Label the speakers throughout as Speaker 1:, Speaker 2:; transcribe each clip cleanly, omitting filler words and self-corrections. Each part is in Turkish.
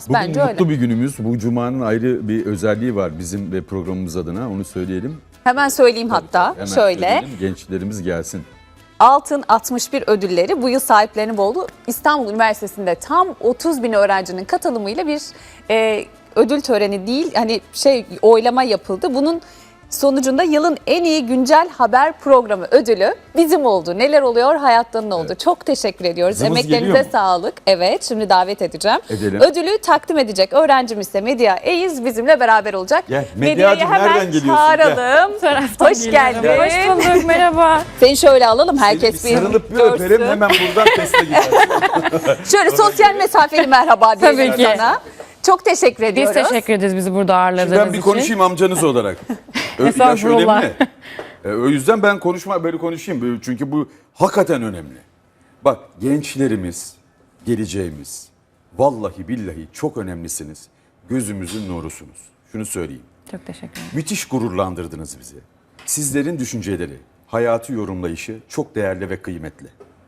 Speaker 1: Bugün
Speaker 2: Bence öyle.
Speaker 1: mutlu bir günümüz. Bu cumanın ayrı bir özelliği var bizim ve programımız adına. Onu söyleyelim.
Speaker 2: Hemen söyleyeyim hatta.
Speaker 1: Hemen
Speaker 2: Şöyle.
Speaker 1: söyleyelim, gençlerimiz gelsin.
Speaker 2: Altın 61 ödülleri bu yıl sahiplerini buldu. İstanbul Üniversitesi'nde tam 30 bin öğrencinin katılımıyla bir ödül töreni değil, hani oylama yapıldı. Bunun sonucunda yılın en iyi güncel haber programı ödülü bizim oldu. Neler oluyor? Hayattan ne oldu? Evet. Çok teşekkür ediyoruz.
Speaker 1: Kızımız
Speaker 2: Emeklerinize sağlık. Evet, şimdi davet edeceğim.
Speaker 1: Edelim.
Speaker 2: Ödülü takdim edecek öğrencimiz ise Medya Eyiz bizimle beraber olacak.
Speaker 1: Gel,
Speaker 2: Medya'yı
Speaker 1: Medyacığım,
Speaker 2: hemen
Speaker 1: nereden geliyorsun?
Speaker 2: çağıralım. Hoş geldin.
Speaker 3: Hoş bulduk, merhaba.
Speaker 2: Seni şöyle alalım, herkes
Speaker 1: Seni bir sarılıp bir
Speaker 2: görsün.
Speaker 1: öperim, hemen buradan teste gidersin.
Speaker 2: Şöyle sosyal mesafeli merhaba diyelim
Speaker 3: Tabii ki.
Speaker 2: sana. Çok teşekkür
Speaker 3: Biz
Speaker 2: ediyoruz.
Speaker 3: teşekkür ederiz bizi burada ağırladığınız
Speaker 1: Ben
Speaker 3: için.
Speaker 1: bir konuşayım amcanız olarak. Yaş
Speaker 3: Estağfurullah.
Speaker 1: önemli. O yüzden ben böyle konuşayım. Çünkü bu hakikaten önemli. Bak, gençlerimiz, geleceğimiz. Vallahi billahi çok önemlisiniz. Gözümüzün nurusunuz. Şunu söyleyeyim.
Speaker 3: Çok teşekkür ederim.
Speaker 1: Müthiş gururlandırdınız bizi. Sizlerin düşünceleri, hayatı yorumlayışı çok değerli ve kıymetli.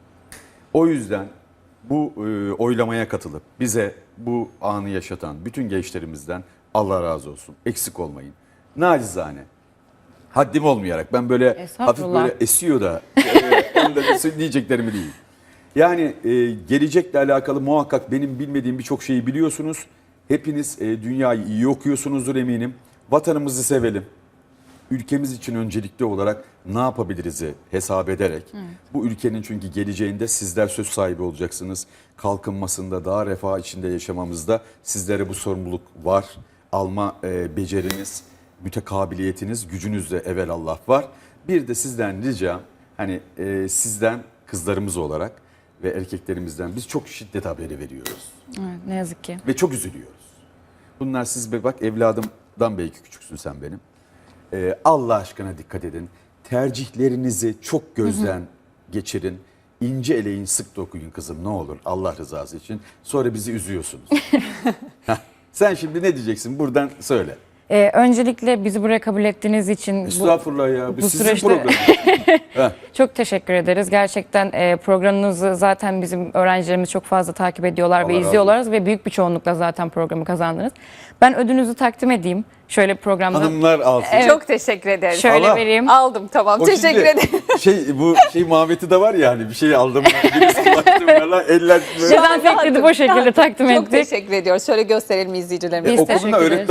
Speaker 1: O yüzden bu oylamaya katılıp bize bu anı yaşatan bütün gençlerimizden Allah razı olsun. Eksik olmayın. Nacizane. Haddim olmayarak ben böyle hafif
Speaker 3: Estağfurullah.
Speaker 1: böyle esiyor da onu da diyeceklerimi değil. Yani gelecekle alakalı muhakkak benim bilmediğim birçok şeyi biliyorsunuz. Hepiniz dünyayı iyi okuyorsunuzdur eminim. Vatanımızı sevelim. Ülkemiz için öncelikli olarak ne yapabiliriz'i hesap ederek bu ülkenin çünkü geleceğinde sizler söz sahibi olacaksınız. Kalkınmasında, daha refah içinde yaşamamızda sizlere bu sorumluluk var. Alma beceriniz, mütekabiliyetiniz, gücünüz de evelallah var. Bir de sizden ricam, hani sizden kızlarımız olarak ve erkeklerimizden biz çok şiddet haberi veriyoruz.
Speaker 3: Evet, ne yazık ki.
Speaker 1: Ve çok üzülüyoruz. Bunlar siz bak, evladımdan belki küçüksün sen benim. Allah aşkına dikkat edin. Tercihlerinizi çok gözden geçirin. İnce eleyin, sık dokuyun kızım, ne olur Allah rızası için. Sonra bizi üzüyorsunuz. Sen şimdi ne diyeceksin? Buradan söyle.
Speaker 3: Öncelikle bizi buraya kabul ettiğiniz için
Speaker 1: Estağfurullah ya. Bu sizin
Speaker 3: süreçte
Speaker 1: programınız.
Speaker 3: çok teşekkür ederiz. Gerçekten programınızı zaten bizim öğrencilerimiz çok fazla takip ediyorlar
Speaker 1: Allah
Speaker 3: ve
Speaker 1: razı
Speaker 3: izliyorlar ve büyük bir çoğunlukla zaten programı kazandınız. Ben ödülünüzü takdim edeyim. Şöyle programda.
Speaker 1: Hanımlar alsın.
Speaker 3: Evet.
Speaker 2: Çok teşekkür ederim.
Speaker 3: Şöyle
Speaker 1: Allah.
Speaker 3: vereyim.
Speaker 2: Aldım, tamam.
Speaker 1: O
Speaker 2: Teşekkür
Speaker 1: şimdi
Speaker 2: ederim.
Speaker 1: bu muhabbeti de var ya, hani bir şey aldım. Birisi baktım falan, eller böyle.
Speaker 3: Dezenfekte edip o şekilde takdim
Speaker 2: Çok
Speaker 3: ettik.
Speaker 2: teşekkür ediyoruz. Şöyle gösterelim izleyicilerimize.
Speaker 3: Biz
Speaker 1: Okulunda
Speaker 3: teşekkür ederiz.
Speaker 1: öğretmen